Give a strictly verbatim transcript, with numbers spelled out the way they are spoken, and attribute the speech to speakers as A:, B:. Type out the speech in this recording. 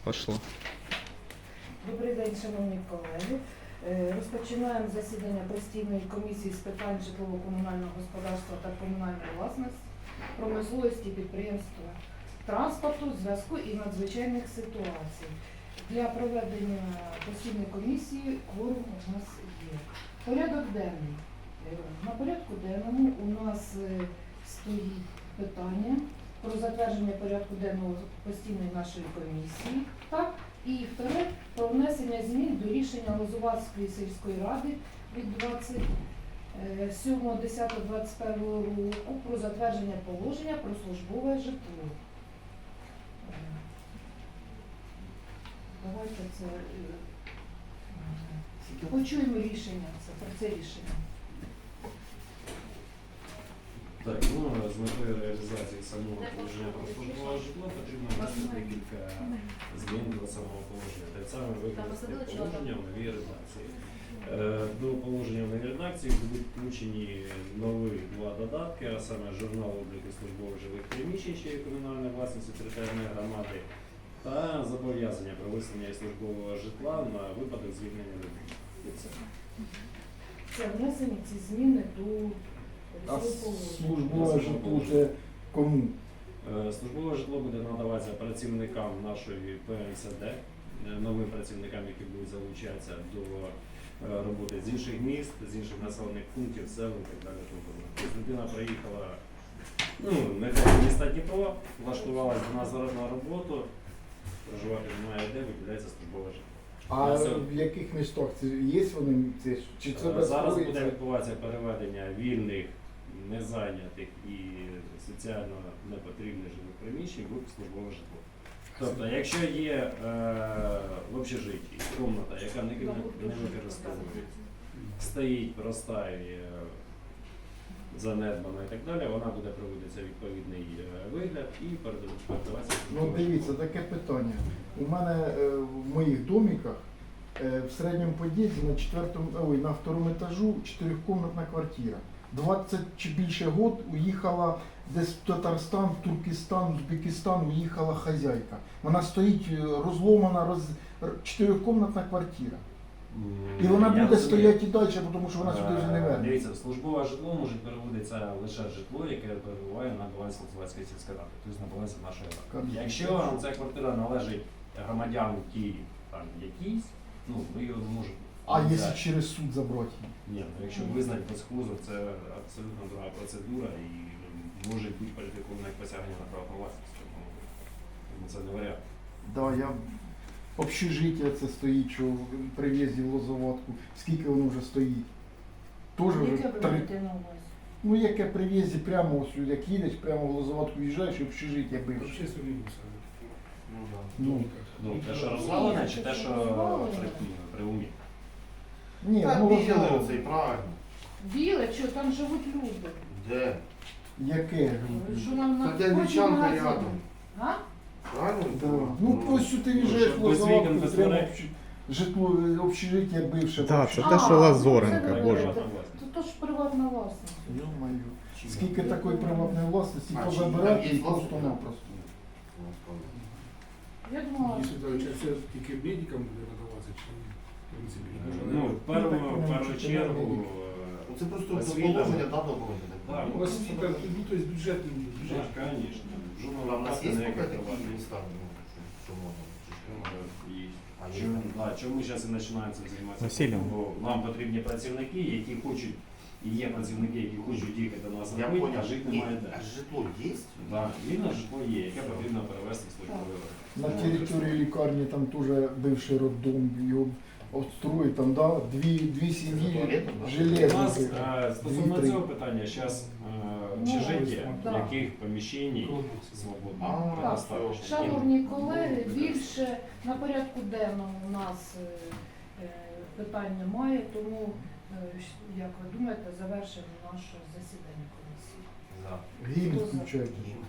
A: Пошло.
B: Добрий день, шановні колеги. Е, Розпочинаємо засідання постійної комісії з питань житлово-комунального господарства та комунальної власності, промисловості, підприємства, транспорту, зв'язку і надзвичайних ситуацій. Для проведення постійної комісії кворум у нас є. Порядок денний. Е, На порядку денному у нас е, стоїть питання про затвердження порядку денного постійної нашої комісії. Так? І вторе, про внесення змін до рішення Лозуватської сільської ради від двадцять сьомого десятого двадцять першого року про затвердження положення про службове житло. Е, Давайте це е, почуємо рішення, це про це рішення.
C: Так, ну, з метою реалізації самого положення про службове житло потрібно внести декілька змін до самого положення. Те саме викласти положення в новій редакції. Е, До положення в новій редакції будуть включені нові два додатки, а саме журнал обліку службових жилих приміщень, що є комунальної власності територіальної громади, та зобов'язання про виселення службового житла на випадок звільнення людей.
B: Це внесені ці зміни до
D: А службове житло вже кому?
C: Е, Службове житло буде надаватися працівникам нашої Пе Ем Се Де, е, новим працівникам, які будуть залучатися до е, роботи з інших міст, з інших населених пунктів, сел і так далі. Тобто людина приїхала, ну, нехай з міста Дніпро, влаштувалася до нас зараз на роботу, проживати немає де, виділяється службове житло.
D: А в яких містах це є вони? Це, чи це
C: Е, Зараз буде
D: безпосередньо?
C: відбуватися переведення вільних, незайнятих і соціально непотрібних жилих приміщень в службове житло. Тобто, якщо є е, в общежитті кімната, яка не, не використовується, стоїть, простає, занедбана і так далі, вона буде проводитися відповідний е, вигляд і передаватися.
D: Ну дивіться, таке питання. У мене е, в моїх домиках е, в середньому під'їзді на четвертому, ой, на второму етажу чотирикомнатна квартира. двадцять чи більше год уїхала десь в Татарстан, в Туркестан, в Узбекистан уїхала хазяйка. Вона стоїть е, розломана, роз... чотирикомнатна квартира. І вона
C: Я
D: буде
C: розумію.
D: стояти і далі, тому що вона сюди вже не
C: Е,
D: верне.
C: Дивіться, службове житло може переводитися лише житло, яке перебуває на балансі Лозуватської сільської ради, тобто на балансі нашої ради.
D: Конечно.
C: Якщо ця квартира належить громадянам ті там якісь, ну ми його не можемо.
D: А
C: взяти.
D: якщо через суд забрати?
C: Ні, ну якщо визнати безхозу, це абсолютно друга процедура і може бути кваліфіковане як посягання на право власності. Тому це не варіант.
D: Да, я общежиття це стоїть, що при в'їзді в Лозоватку. Скільки воно вже стоїть? Тоже вже
B: Яке ви
D: три.
B: маєте на увазі?
D: Ну яке при в'їзді прямо ось, як їдеш, прямо в Лозоватку в'їжджаєш і общежиття бивше.
E: Общественный мусор.
C: Ну, да.
D: Ну,
C: Ну, те, що розвалене, чи те, що при, при умі?
D: ні,
F: Так,
D: ну
F: біле
D: Лозоватку.
F: оце і правильно.
B: Біле, що там живуть люди.
F: Де?
D: Яке?
B: Що нам на
F: Та де
B: кожній
F: Вічанка
B: магазині.
F: рядом.
B: А?
F: Правильно?
D: Да. Ну ось ти в'їжджаєш
C: щоб
D: в
C: без вікон,
D: Лозоватку,
C: без
D: прямо
C: дверей.
D: общ- житло, е, общежиття бивше.
A: Да, це
B: А,
A: те, що
B: ну,
A: Лазоренка,
B: це ви
A: боже.
B: говорите. То, то ж приватна власність.
D: Ё-моё. Скільки такої приватної власності
F: А, чи
D: позабирати
F: там
D: і
F: є
D: просто-напросто.
B: Я думала,
E: Если это сейчас все-таки медикам буде надаватися, чи ні? В принципі, може,
C: Ну,
E: не-
C: в першу,
D: так,
C: в першу
D: ну,
C: чергу,
F: Ну, це просто
C: Освіта.
F: положення дано було.
C: Так.
E: Ну, освіта, ну, то есть бюджетний,
C: так,
E: бюджетний.
C: звісно.
F: Ну,
C: Жодного
F: а в нас
C: нападу
F: є
C: ніяких
F: поки такі
C: приватних.
F: міста, ну, що- що можна? Чи що?
C: Е, є.
F: А є
C: Чому,
F: там?
C: да, чому зараз і починається займатися?
A: Василем.
C: Бо нам потрібні працівники, які хочуть, і є працівники, які хочуть їхати до нас
F: Я
C: робити,
F: понял.
C: а жити
F: Ні,
C: немає де.
F: А житло є?
C: Да, вільне житло є, яке потрібно перевести в службовий ринок.
D: На території лікарні там теж бивший роддом, його отстроїть, там, да, дві, дві сім'ї
F: туалетом, да?
C: У нас
D: железні.
C: е, стосовно
D: Дві-три.
C: цього питання, зараз
B: Ну,
C: общежиття,
B: да.
C: яких поміщень
E: Круглих.
C: свободно
F: А,
C: предоставлено.
B: шановні колеги, більше на порядку денному у нас е, е, питань немає, тому, е, щ- як ви думаєте, завершимо наше засідання комісії.
F: За.
D: Гімн включайте.
F: Ні.